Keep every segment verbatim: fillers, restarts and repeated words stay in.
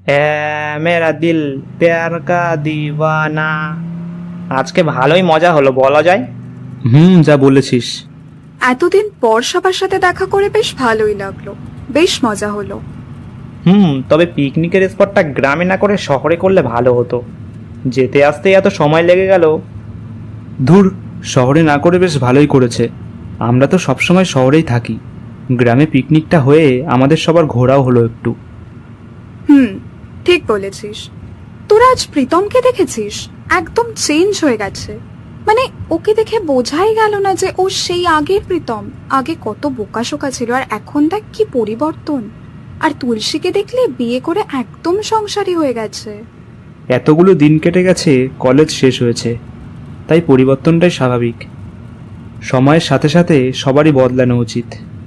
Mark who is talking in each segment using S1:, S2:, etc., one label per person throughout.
S1: এ মেরা দিল প্যার কা দিওয়ানা। আজকে ভালোই মজা হলো বলা যায়।
S2: হুম, যা বলেছিস।
S3: এতদিন পর সবার সাথে দেখা করে বেশ ভালোই লাগলো, বেশ মজা হলো।
S1: হুম, তবে পিকনিকের স্পটটা গ্রামে না করে শহরে করলে ভালো হতো। যেতে আসতে এত সময় লেগে গেল।
S2: ধুর, শহরে না করে বেশ ভালোই করেছে। আমরা তো সবসময় শহরেই থাকি। গ্রামে পিকনিকটা হয়ে আমাদের সবার ঘোরাও হলো একটু।
S3: হুম, ঠিক বলেছিস। তোরা আজ প্রীতমকে দেখেছিস? একদম চেঞ্জ হয়ে গেছে। মানে ওকে দেখে বোঝাই গেল না যে ও সেই আগের প্রীতম। আগে কত বোকাশোকা ছিল, আর এখন দেখ কি পরিবর্তন। আর তুলসীকে দেখলে বিয়ে করে একদম সংসারী হয়ে গেছে।
S2: এতগুলো দিন কেটে গেছে, কলেজ শেষ হয়েছে, তাই পরিবর্তনটাই স্বাভাবিক। সময়ের সাথে সাথে সবারই বদলানো উচিত।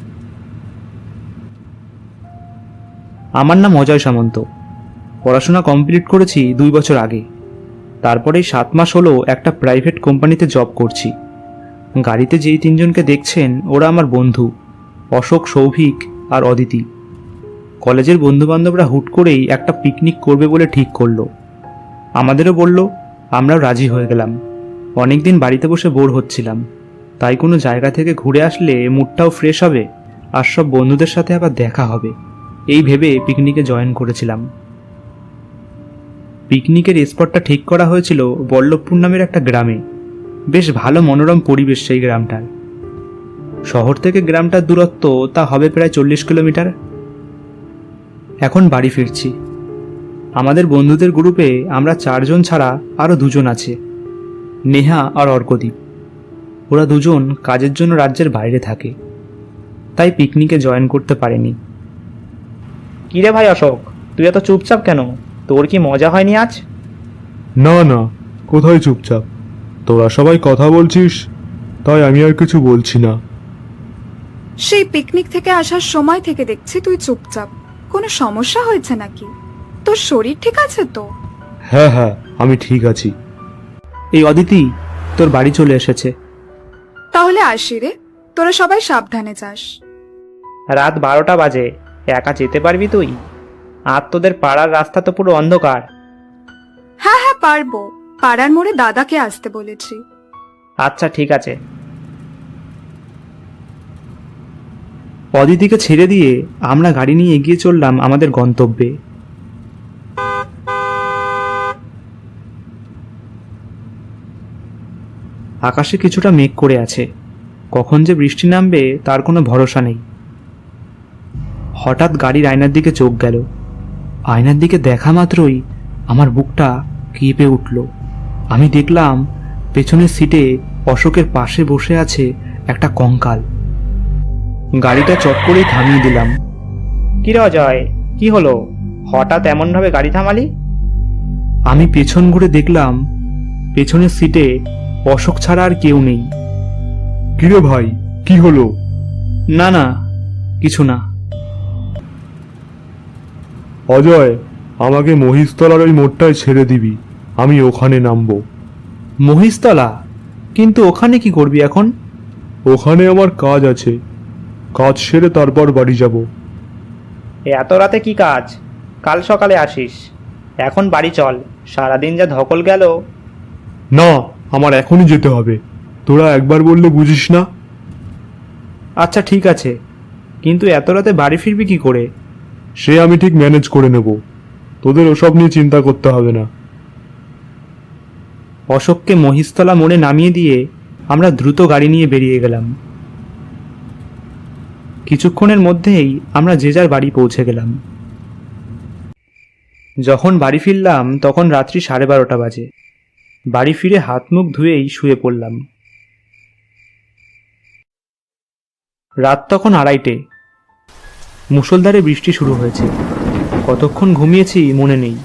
S2: আমার নাম অজয় সামন্ত। পড়াশোনা কমপ্লিট করেছি দুই বছর আগে। তারপরেই সাত মাস হলো একটা প্রাইভেট কোম্পানিতে জব করছি। গাড়িতে যেই তিনজনকে দেখছেন ওরা আমার বন্ধু, অশোক, সৌভিক আর অদিতি। কলেজের বন্ধুবান্ধবরা হুট করেই একটা পিকনিক করবে বলে ঠিক করলো। আমাদেরও বলল, আমরাও রাজি হয়ে গেলাম। অনেকদিন বাড়িতে বসে বোর হচ্ছিলাম, তাই কোনো জায়গা থেকে ঘুরে আসলে মুডটাও ফ্রেশ হবে আর সব বন্ধুদের সাথে আবার দেখা হবে, এই ভেবে পিকনিকে জয়েন করেছিলাম। পিকনিকের স্পটটা ঠিক করা হয়েছিল বল্লভপুর নামের একটা গ্রামে। বেশ ভালো মনোরম পরিবেশ সেই গ্রামটার। শহর থেকে গ্রামটার দূরত্ব তা হবে প্রায় চল্লিশ কিলোমিটার। এখন বাড়ি ফিরছি। আমাদের বন্ধুদের গ্রুপে আমরা চারজন ছাড়া আরও দুজন আছে, নেহা আর অর্কদীপ। ওরা দুজন কাজের জন্য রাজ্যের বাইরে থাকে, তাই পিকনিকে জয়েন করতে পারেনি।
S1: কিরে ভাই অশোক, তুই এত চুপচাপ কেন? তোর কি মজা হয়নি আজ?
S4: না না, কোথায় চুপচাপ? তোরা সবাই কথা বলছিস, তাই আমি আর কিছু বলছি না।
S3: সেই পিকনিক থেকে আসার সময় থেকে দেখছি তুই চুপচাপ। কোনো সমস্যা হয়েছে নাকি? তোর শরীর ঠিক আছে তো?
S4: হ্যাঁ হ্যাঁ, আমি ঠিক আছি।
S2: এই অদিতি, তোর বাড়ি চলে এসেছে।
S3: তাহলে আসি রে, তোরা সবাই সাবধানে যাস।
S1: রাত বারোটা বাজে, একা যেতে পারবি তুই? আর তোদের পাড়ার রাস্তা তো পুরো অন্ধকার।
S3: হ্যাঁ হ্যাঁ পারবো, পাড়ার মোড়ে দাদাকে আসতে বলেছি।
S1: আচ্ছা ঠিক আছে।
S2: অদিতিকে ছেড়ে দিয়ে আমরা গাড়ি নিয়ে এগিয়ে চললাম আমাদের গন্তব্যে। আকাশে কিছুটা মেঘ করে আছে, কখন যে বৃষ্টি নামবে তার কোনো ভরসা নেই। হঠাৎ গাড়ির আয়নার দিকে চোখ গেল। আয়নার দিকে দেখা মাত্রই আমার বুকটা কেঁপে উঠল। আমি দেখলাম পেছনের সিটে অশোকের পাশে বসে আছে একটা কঙ্কাল। গাড়িটা চট করেই থামিয়ে দিলাম।
S1: কিরে অজয়, কি হলো? হঠাৎ এমনভাবে গাড়ি থামালি?
S2: আমি পেছন ঘুরে দেখলাম পেছনের সিটে অশোক ছাড়া আর কেউ নেই।
S4: কিরে ভাই, কি হলো?
S2: না না, কিছু না।
S4: অজয়, আমাকে মহিষতলার ওই মোড়টায় ছেড়ে দিবি, আমি ওখানে নামবো।
S2: মহিষতলা? কিন্তু ওখানে কি করবি এখন?
S4: ওখানে আমার কাজ আছে, কাজ সেরে তারপর বাড়ি যাব।
S1: এত রাতে কি কাজ? কাল সকালে আসিস। এখন বাড়ি চল, সারাদিন যা ধকল গেল।
S4: না, আমার এখনই যেতে হবে। তোরা একবার বললে বুঝিস না?
S2: আচ্ছা ঠিক আছে, কিন্তু এত রাতে বাড়ি ফিরবি কি করে?
S4: সে আমি ঠিক ম্যানেজ করে নেব, তোদের ওসব নিয়ে চিন্তা করতে হবে না।
S2: অশোককে মহিষতলা মোড়ে নামিয়ে দিয়ে আমরা দ্রুত গাড়ি নিয়ে বেরিয়ে গেলাম। কিছুক্ষণের মধ্যেই আমরা যে যার বাড়ি পৌঁছে গেলাম। যখন বাড়ি ফিরলাম তখন রাত্রি সাড়ে বারোটা বাজে। বাড়ি ফিরে হাত মুখ ধুয়েই শুয়ে পড়লাম। রাত তখন আড়াইটে। মুষলধারে বৃষ্টি শুরু হয়েছে। কতক্ষণ ঘুমিয়েছি মনে নেই।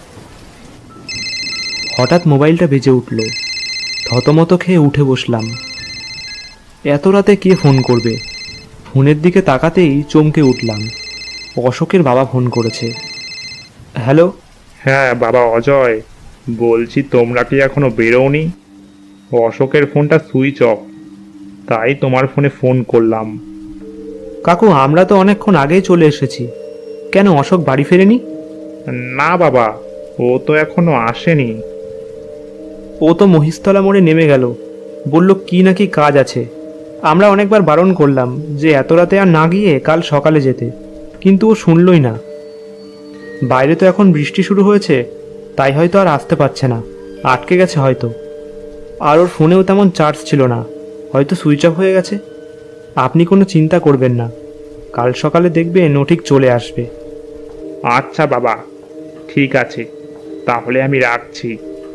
S2: হঠাৎ মোবাইলটা বেজে উঠল। থতমত খেয়ে উঠে বসলাম। এত রাতে কে ফোন করবে? ফোনের দিকে তাকাতেই চমকে উঠলাম। অশোকের বাবা ফোন করেছে। হ্যালো।
S5: হ্যাঁ বাবা অজয়, বলছি তোমরা কি এখনো বেরোওনি? অশোকের ফোনটা সুইচ অফ, তাই তোমার ফোনে ফোন করলাম।
S2: কাকু, আমরা তো অনেকক্ষণ আগেই চলে এসেছি। কেন, অশোক বাড়ি ফেরেনি?
S5: না বাবা, ও তো এখনো আসেনি।
S2: ও তো মহিষতলা মোড়ে নেমে গেল, বলল কি নাকি কাজ আছে। আমরা অনেকবার বারণ করলাম যে এত রাতে আর না গিয়ে কাল সকালে যেতে, কিন্তু ও শুনলই না। বাইরে তো এখন বৃষ্টি শুরু হয়েছে, তাই হয়তো আর আসতে পারছে না, আটকে গেছে হয়তো। আর ওর ফোনেও তেমন চার্জ ছিল না, হয়তো সুইচ অফ হয়ে গেছে। আপনি কোনো চিন্তা করবেন না, কাল সকালে দেখবেন ও ঠিক চলে আসবে।
S5: আচ্ছা বাবা, ঠিক আছে, তাহলে আমি রাখছি।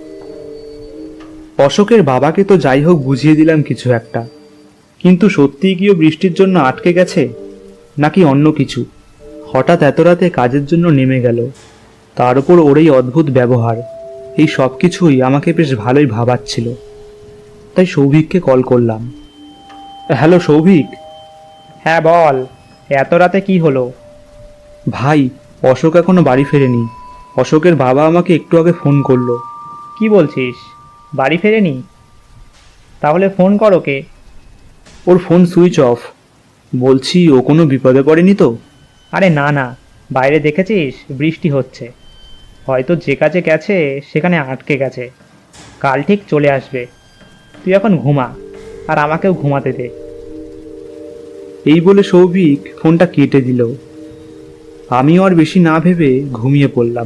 S2: অশোকের বাবাকে তো যাই হোক বুঝিয়ে দিলাম কিছু একটা, কিন্তু সত্যিই কি ও বৃষ্টির জন্য আটকে গেছে নাকি অন্য কিছু? হঠাৎ এত রাতে কাজের জন্য নেমে গেল, তার উপর ওর এই অদ্ভুত ব্যবহার, এই সব কিছুই আমাকে বেশ ভালোই ভাবাচ্ছিল। তাই সৌভিককে কল করলাম। হ্যালো সৌভিক।
S1: হ্যাঁ বল, এত রাতে কি হলো?
S2: ভাই, অশোক এখনো বাড়ি ফেরেনি। অশোকের বাবা আমাকে একটু আগে ফোন করলো।
S1: কি বলছিস, বাড়ি ফেরেনি? তাহলে ফোন কর ওকে।
S2: ওর ফোন সুইচ অফ। বলছি ও কোনো বিপদে পড়েনি তো?
S1: আরে না না, বাইরে দেখেছিস বৃষ্টি হচ্ছে, হয়তো যে কাজে গেছে সেখানে আটকে গেছে, কাল ঠিক চলে আসবে। তুই এখন ঘুমা, আর আমাকেও ঘুমাতে দে।
S2: এই বলে সৌভিক ফোনটা কেটে দিল। আমিও আর বেশি না ভেবে ঘুমিয়ে পড়লাম।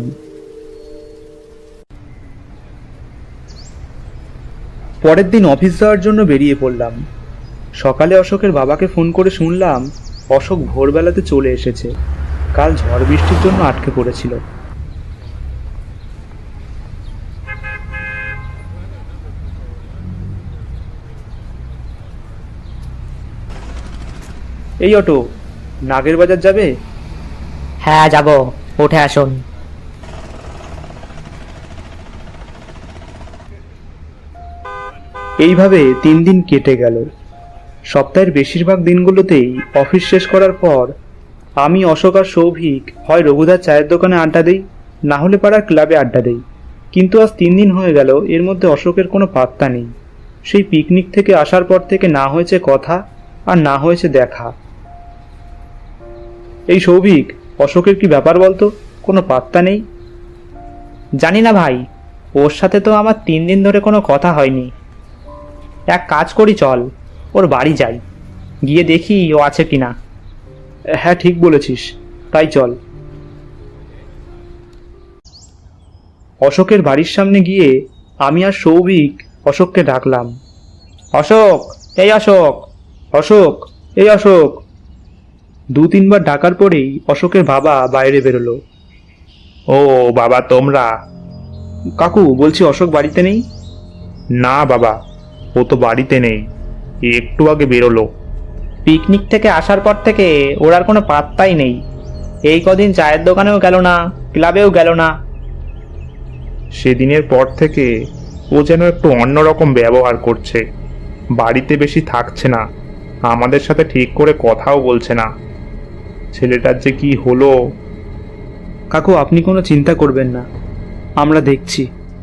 S2: পরের দিন অফিস যাওয়ার জন্য বেরিয়ে পড়লাম। সকালে অশোকের বাবাকে ফোন করে শুনলাম অশোক ভোরবেলাতে চলে এসেছে, কাল ঝড় বৃষ্টির জন্য আটকে পড়েছিল। এই অটো, নাগের বাজার যাবে?
S6: হ্যাঁ যাব, উঠে আসুন।
S2: এইভাবে তিন দিন কেটে গেল। সপ্তাহের বেশিরভাগ দিনগুলোতেই অফিস শেষ করার পর আমি, অশোক আর সৌভিক হয় রঘুদার চায়ের দোকানে আড্ডা দেই, না হলে পাড়ার ক্লাবে আড্ডা দেই। কিন্তু আজ তিন দিন হয়ে গেল, এর মধ্যে অশোকের কোনো পাত্তা নেই। সেই পিকনিক থেকে আসার পর থেকে না হয়েছে কথা আর না হয়েছে দেখা। এই সৌভিক, অশোকের কি ব্যাপার বলতো, কোনো পাত্তা নেই।
S1: জানি না ভাই, ওর সাথে তো আমার তিন দিন ধরে কোনো কথা হয়নি। এক কাজ করি, চল ওর বাড়ি যাই, গিয়ে দেখি ও আছে কিনা।
S2: হ্যাঁ ঠিক বলেছিস, তাই চল। অশোকের বাড়ির সামনে গিয়ে আমি আর সৌভিক অশোককে ডাকলাম।
S1: অশোক, এই অশোক।
S2: অশোক, এই অশোক। দু তিনবার ডাকার পরেই অশোকের বাবা বাইরে বেরোলো।
S5: ও বাবা, তোমরা?
S2: কাকু, বলছি অশোক বাড়িতে নেই?
S5: না বাবা, ও তো বাড়িতে নেই, একটু আগে বেরোলো।
S1: পিকনিক থেকে আসার পর থেকে ওর আর কোনো পাত্তাই নেই। এই কদিন চায়ের দোকানেও গেল না, ক্লাবেও গেল না।
S5: সেদিনের পর থেকে ও যেন একটু অন্যরকম ব্যবহার করছে, বাড়িতে বেশি থাকছে না, আমাদের সাথে ঠিক করে কথাও বলছে না। ছেলেটার যে কি হলো।
S2: কাকু, আপনি কোনো চিন্তা করবেন না, আমরা দেখছি।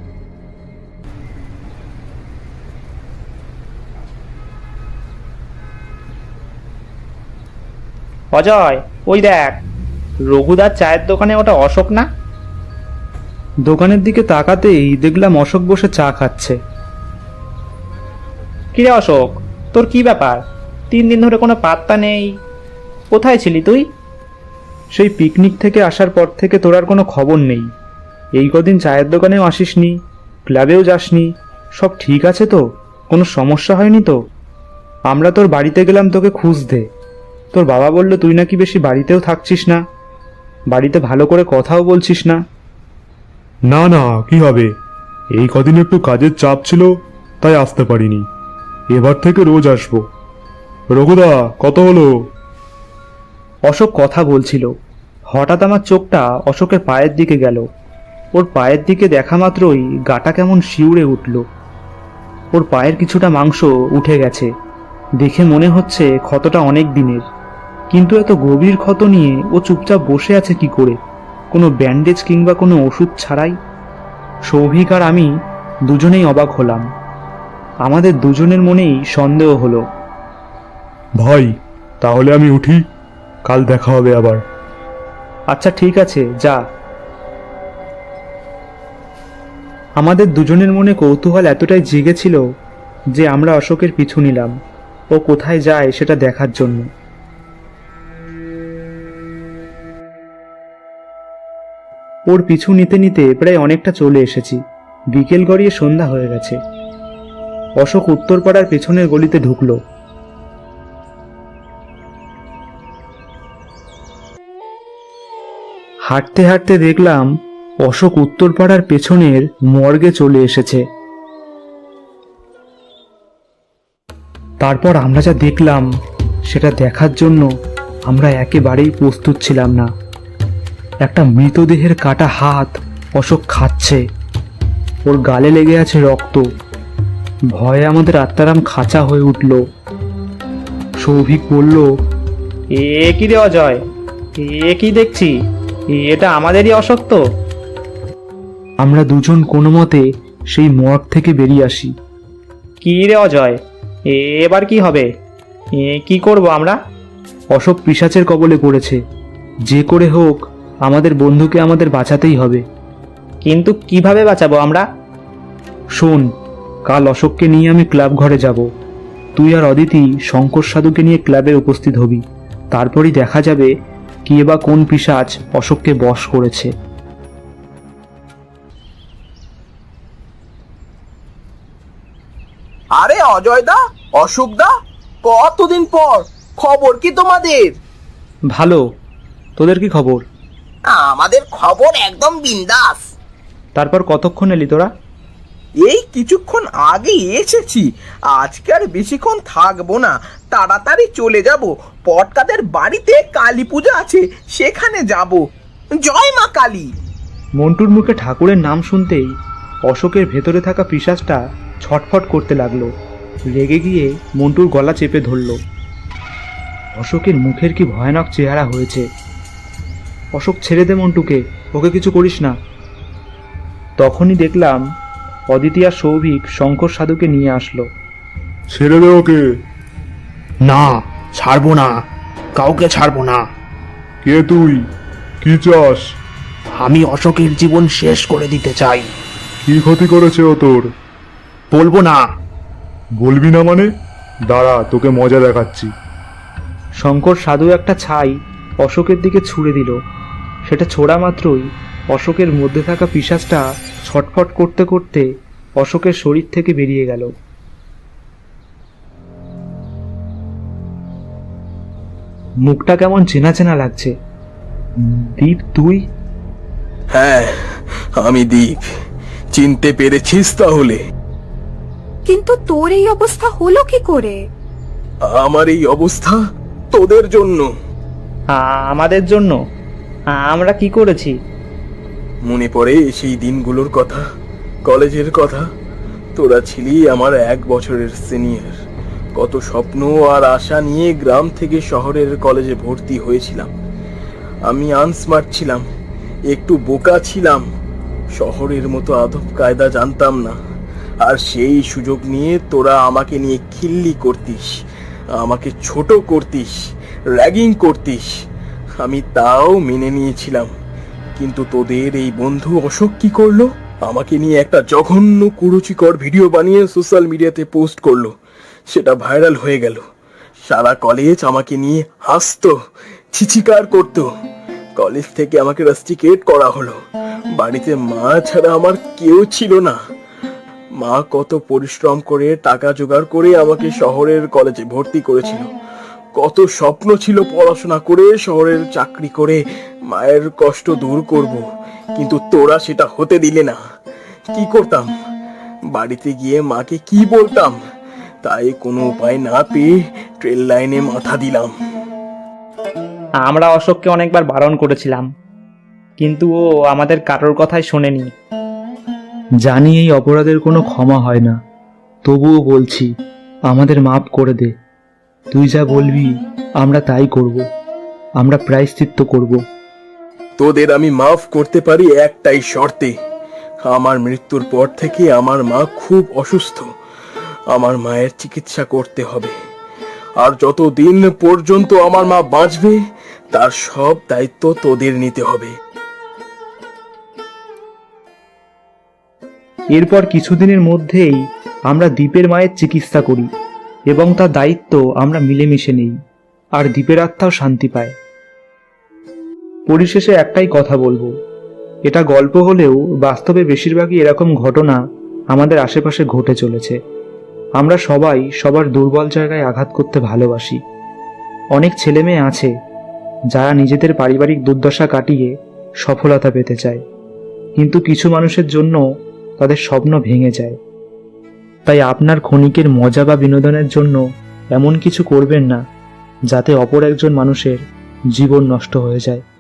S1: অজয়, ওই দেখ, রঘুদার চায়ের দোকানে ওটা অশোক না?
S2: দোকানের দিকে তাকাতেই দেখলাম অশোক বসে চা খাচ্ছে।
S1: কিরে অশোক, তোর কি ব্যাপার? তিন দিন ধরে কোনো পাত্তা নেই, কোথায় ছিলি তুই?
S2: সেই পিকনিক থেকে আসার পর থেকে তোর আর কোনো খবর নেই। এই কদিন চায়ের দোকানেও আসিসনি, ক্লাবেও যাসনি। সব ঠিক আছে তো? কোনো সমস্যা হয়নি তো? আমরা তোর বাড়িতে গেলাম তোকে খুঁজতে, তোর বাবা বলল তুই নাকি বেশি বাড়িতেও থাকছিস না, বাড়িতে ভালো করে কথাও বলছিস না।
S4: না না, কি হবে, এই কদিন একটু কাজের চাপ ছিল, তাই আসতে পারিনি। এবার থেকে রোজ আসবো। রঘুদা, কত হলো?
S2: অশোক কথা বলছিল, হঠাৎ আমার চোখটা অশোকের পায়ের দিকে গেল। ওর পায়ের দিকে দেখা মাত্রই গাটা কেমন শিউরে উঠল। ওর পায়ের কিছুটা মাংস উঠে গেছে, দেখে মনে হচ্ছে ক্ষতটা অনেক দিনের। কিন্তু এত গভীর ক্ষত নিয়ে ও চুপচাপ বসে আছে কি করে, কোনো ব্যান্ডেজ কিংবা কোনো ওষুধ ছাড়াই? সৌভিক আর আমি দুজনেই অবাক হলাম। আমাদের দুজনের মনেই সন্দেহ হলো।
S4: ভাই, তাহলে আমি উঠি, কাল দেখা হবে আবার।
S2: আচ্ছা ঠিক আছে, যা। আমাদের দুজনের মনে কৌতূহল এতটাই জেগেছিল যে আমরা অশোকের পিছু নিলাম ও কোথায় যায় সেটা দেখার জন্য। ওর পিছু নিতে নিতে প্রায় অনেকটা চলে এসেছি। বিকেল গড়িয়ে সন্ধ্যা হয়ে গেছে। অশোক উত্তরপাড়ার পেছনের গলিতে ঢুকলো। হাঁটতে হাঁটতে দেখলাম অশোক উত্তরপাড়ার পেছনের মর্গে চলে এসেছে। তারপর আমরা যা দেখলাম সেটা দেখার জন্য আমরা একেবারেই প্রস্তুত ছিলাম না। একটা মৃতদেহের কাটা হাত অশোক খাচ্ছে, ওর গালে লেগে আছে রক্ত। ভয়ে আমাদের আত্মারাম খাঁচা হয়ে উঠল। সৌভিক বলল,
S1: এ কি রে অজয়, এ কি দেখছি? এটা আমাদেরই অশোক তো?
S2: আমরা দুজন কোনো মতে সেই মর্গ থেকে বেরিয়ে আসি।
S1: কি রে অজয়, এবার কি হবে? এ কি করব আমরা?
S2: অশোক পিশাচের কবলে পড়েছে। যে করে হোক আমাদের বন্ধুকে আমাদের বাঁচাতেই হবে।
S1: কিন্তু কিভাবে বাঁচাবো আমরা?
S2: শোন, কাল অশোককে নিয়ে আমি ক্লাব ঘরে যাব। তুই আর অদিতি শঙ্কর সাধুকে নিয়ে ক্লাবে উপস্থিত হবি। তারপরই দেখা যাবে কে বা কোন পিশাচ অশোককে বশ করেছে।
S7: আরে অজয় দা, অশোক দা, কতদিন পর! খবর কি তোমাদের?
S2: ভালো, তোদের কি খবর?
S7: আমাদের খবর একদম বিন্দাস।
S2: তারপর কতক্ষণ এলি তোরা?
S7: এই কিছুক্ষণ আগে এসেছি। আজকে আর বেশিক্ষণ থাকবো না, তাড়াতাড়ি চলে যাব। পটকাদের বাড়িতে কালী পূজা আছে, সেখানে যাব। জয় মা কালী।
S2: মন্টুর মুখে ঠাকুরের নাম শুনতেই অশোকের ভেতরে থাকা পিশাচটা ছটফট করতে লাগলো। রেগে গিয়ে মন্টুর গলা চেপে ধরল। অশোকের মুখের কি ভয়ানক চেহারা হয়েছে। অশোক, ছেড়ে দে মন্টুকে, ওকে কিছু করিস না। তখনই দেখলাম অদিতি আর সৌভিক শঙ্কর সাধুকে নিয়ে আসলো।
S4: ছেড়ে দে ওকে।
S5: না, ছাড়বো না, কাউকে ছাড়বো না।
S4: কে তুই? কি চাস?
S5: আমি অশোকের জীবন শেষ করে দিতে চাই।
S4: কি ক্ষতি করেছে ও তোর?
S5: বলবো না।
S4: বলবি না মানে? দাঁড়া, তোকে মজা দেখাচ্ছি।
S2: শঙ্কর সাধু একটা ছাই অশোকের দিকে ছুঁড়ে দিল। সেটা ছোড়া মাত্রই অশোকের মধ্যে থাকা পিশাচটা ছটফট করতে করতে অশোকের শরীর থেকে বেরিয়ে গেল। মুখটা কেমন চেনা চেনা লাগছে। দীপ, তুই?
S7: হ্যাঁ, আমি দীপ। চিনতে পেরেছিস তাহলে?
S3: কিন্তু তোর এই অবস্থা হলো কি করে?
S7: আমার এই অবস্থা তোদের জন্য।
S1: আমাদের জন্য? আমরা কি করেছি?
S7: মনে পড়ে সেই দিনগুলোর কথা, কলেজের কথা। তোরা ছিলি আমার এক বছরের সিনিয়র। কত স্বপ্ন আর আশা নিয়ে গ্রাম থেকে শহরের কলেজে ভর্তি হয়েছিলাম। আমি আনস্মার্ট ছিলাম, একটু বোকা ছিলাম, শহরের মতো আদব কায়দা জানতাম না। আর সেই সুযোগ নিয়ে তোরা আমাকে নিয়ে খিল্লি করতিস, আমাকে ছোট করতিস, র্যাগিং করতিস। আমি তাও মেনে নিয়েছিলাম। কিন্তু তোদের এই বন্ধু অশোক কি করলো? আমাকে নিয়ে একটা জঘন্য কুরুচিকর ভিডিও বানিয়ে সোশ্যাল মিডিয়াতে পোস্ট করলো। সেটা ভাইরাল হয়ে গেল। সারা কলেজ আমাকে নিয়ে হাসতো, ছিচিকার করতো। কলেজ থেকে আমাকে রাস্টিকেট করা হলো। বাড়িতে মা ছাড়া আমার কেউ ছিল না। মা কত পরিশ্রম করে টাকা জোগাড় করে আমাকে শহরের কলেজে ভর্তি করেছিল। কত স্বপ্ন ছিল পড়াশোনা করে শহরের চাকরি করে মায়ের কষ্ট দূর করব, কিন্তু তোরা সেটা হতে দিলে না। কি করতাম? বাড়িতে গিয়ে মাকে কি বলতাম? তাই কোনো উপায় না পেয়ে ট্রেন লাইনে মাথা দিলাম।
S1: আমরা অশোককে অনেকবার বারণ করেছিলাম, কিন্তু ও আমাদের কারোর কথাই শোনেনি।
S2: জানি এই অপরাধের কোনো ক্ষমা হয় না, তবুও বলছি আমাদের মাফ করে দে। তুই যা বলবি আমরা তাই করব। আমরা প্রায়শ্চিত্ত করব।
S7: তোদের আমি মাফ করতে পারি একটাই শর্তে। আমার মৃত্যুর পর থেকে আমার মা খুব অসুস্থ। আমার মায়ের চিকিৎসা করতে হবে। আর যতদিন পর্যন্ত আমার মা বাঁচবে তার সব দায়িত্ব তোদের নিতে হবে।
S2: এরপর কিছুদিনের মধ্যেই আমরা দ্বীপের মায়ের চিকিৎসা করি এবং তার দায়িত্ব আমরা মিলেমিশে নেই, আর দ্বীপের আত্মাও শান্তি পায়। পরিশেষে একটাই কথা বলবো, এটা গল্প হলেও বাস্তবে বেশিরভাগই এরকম ঘটনা আমাদের আশেপাশে ঘটে চলেছে। আমরা সবাই সবার দুর্বল জায়গায় আঘাত করতে ভালোবাসি। অনেক ছেলেমেয়ে আছে যারা নিজেদের পারিবারিক দুর্দশা কাটিয়ে সফলতা পেতে চায়, কিন্তু কিছু মানুষের জন্য তাদের স্বপ্ন ভেঙে যায়। তাই আপনার ক্ষণিকের মজা বা বিনোদনের জন্য এমন কিছু করবেন না যাতে অপর একজন মানুষের জীবন নষ্ট হয়ে যায়।